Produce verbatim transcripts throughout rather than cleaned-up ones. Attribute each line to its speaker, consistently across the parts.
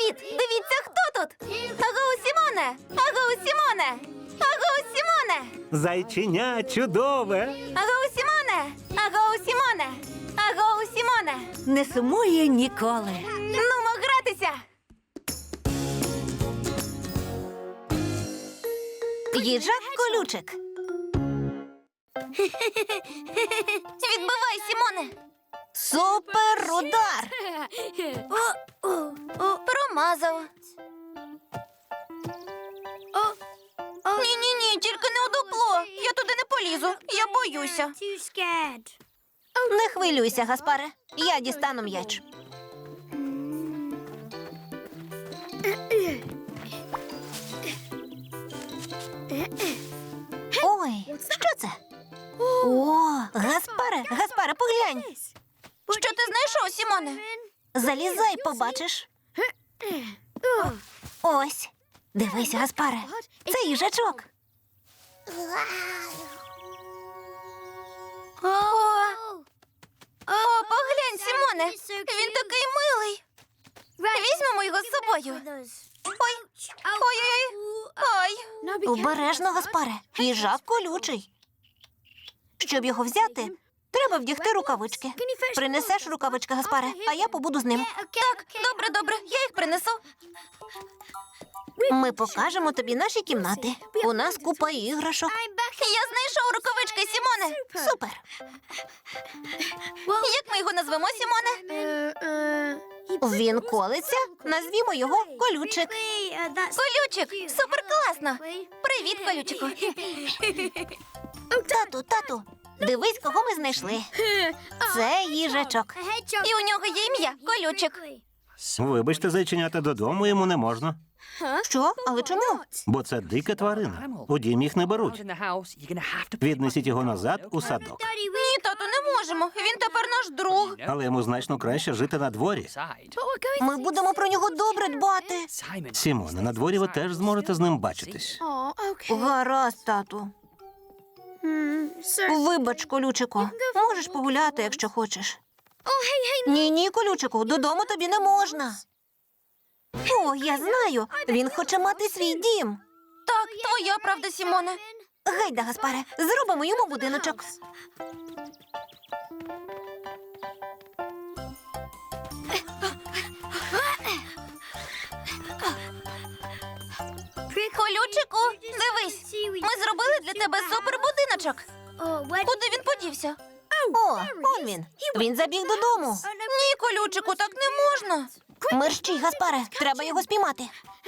Speaker 1: Привіт! Дивіться, хто тут! Агоу, Сімоне! Агоу, Сімоне! Агоу, Сімоне!
Speaker 2: Зайченя чудове.
Speaker 1: Агоу, Сімоне! Агоу, Сімоне! Агоу, Сімоне!
Speaker 3: Не сумує ніколи.
Speaker 1: Нумо гратися!
Speaker 3: Їжак колючик.
Speaker 1: Відбивай, Сімоне!
Speaker 3: Супер удар.
Speaker 1: Промазав. Ні-ні-ні, тільки не у дупло. Я туди не полізу. Я боюся.
Speaker 3: Не хвилюйся, Гаспаре. Я дістану м'яч. Ой, що це? О, Гаспаре, Гаспаре, поглянь.
Speaker 1: Що ти знайшов, Сімоне?
Speaker 3: Залізай, побачиш. Ось. Дивись, Гаспаре. Це їжачок.
Speaker 1: О, О, поглянь, Сімоне. Він такий милий. Візьмемо його з собою. Ой, ой-ой-ой. Ой.
Speaker 3: Обережно, Гаспаре. Їжак колючий. Щоб його взяти, треба вдягти рукавички. Принесеш рукавички, Гаспаре, а я побуду з ним.
Speaker 1: Так, добре, добре, я їх принесу.
Speaker 3: Ми покажемо тобі наші кімнати. У нас купа іграшок.
Speaker 1: Я знайшов рукавички, Сімоне.
Speaker 3: Супер.
Speaker 1: Як ми його назвемо, Сімоне?
Speaker 3: Він колиться, назвімо його колючик.
Speaker 1: Колючик, супер класно. Привіт, колючику.
Speaker 3: Тату, тату, дивись, кого ми знайшли. Це їжачок.
Speaker 1: І у нього є ім'я Колючик.
Speaker 2: Вибачте, зайченята, додому йому не можна.
Speaker 3: Що? Але чому?
Speaker 2: Бо це дика тварина. У дім їх не беруть. Віднесіть його назад у садок.
Speaker 1: Ні, тату, не можемо. Він тепер наш друг.
Speaker 2: Але йому значно краще жити на дворі.
Speaker 3: Ми будемо про нього добре дбати.
Speaker 2: Сімоне, на дворі ви теж зможете з ним бачитись.
Speaker 3: Гаразд, тату. Вибач, колючику. Можеш погуляти, якщо хочеш. Ні-ні, колючику, додому тобі не можна. О, я знаю. Він хоче мати свій дім.
Speaker 1: Так, твоя правда, Сімоне.
Speaker 3: Гайда, Гаспаре, зробимо йому будиночок.
Speaker 1: Колючику, дивись. Ми зробили для тебе супербудиночок. Куди він подівся?
Speaker 3: О, он він. Він забіг додому.
Speaker 1: Ні, колючику, так не можна.
Speaker 3: Мерщій, Гаспаре, треба його спіймати.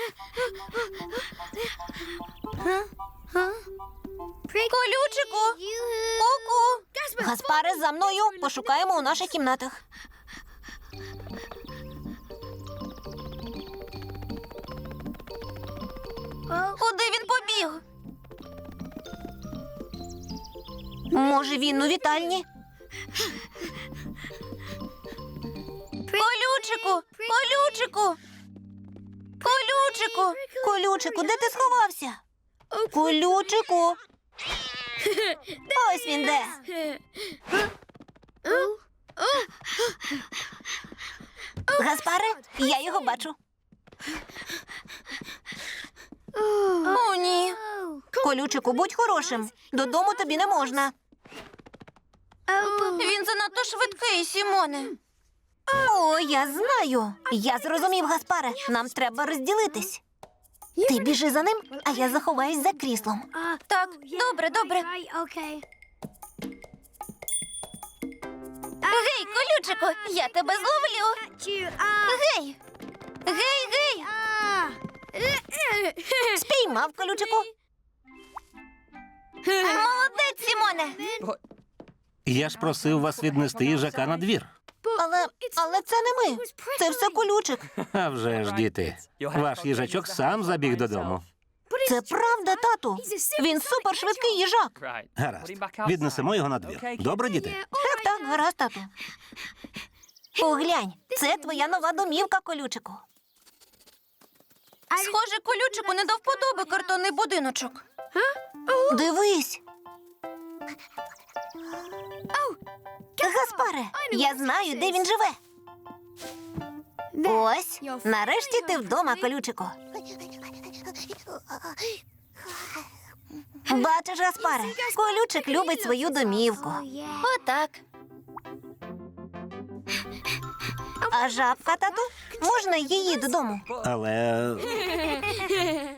Speaker 1: Колючику, ку-ку.
Speaker 3: Гаспаре, за мною. Пошукаємо у наших кімнатах.
Speaker 1: Куди він побіг?
Speaker 3: Може, він у вітальні?
Speaker 1: Колючику, колючику. Колючику.
Speaker 3: Колючику, де ти сховався? Колючику. Ось він де. Гаспаре, я його бачу.
Speaker 1: О, ні.
Speaker 3: Колючику, будь хорошим. Додому тобі не можна.
Speaker 1: Він занадто швидкий, Сімоне.
Speaker 3: О, я знаю. Я зрозумів, Гаспаре. Нам треба розділитись. Ти біжи за ним, а я заховаюсь за кріслом.
Speaker 1: Так, добре, добре. Гей, колючику, я тебе зловлю. Гей. Гей, гей.
Speaker 3: Спіймав, колючику.
Speaker 1: Молодець, Сімоне.
Speaker 2: Я ж просив вас віднести їжака на двір.
Speaker 3: Але, але це не ми. Це все колючик.
Speaker 2: А вже ж, діти. Ваш їжачок сам забіг додому.
Speaker 3: Це правда, тату. Він супершвидкий їжак.
Speaker 2: Гаразд. Віднесемо його на двір. Добре, діти?
Speaker 3: Так, так, гаразд, тату. Поглянь, це твоя нова домівка, колючику.
Speaker 1: Схоже, колючику не до вподоби картонний будиночок.
Speaker 3: Дивись. Гаспаре, я знаю, де він живе. Ось, нарешті ти вдома, колючику. Бачиш, Гаспаре, колючик любить свою домівку.
Speaker 1: Отак.
Speaker 3: А жабка, тату, можна її додому?
Speaker 2: Але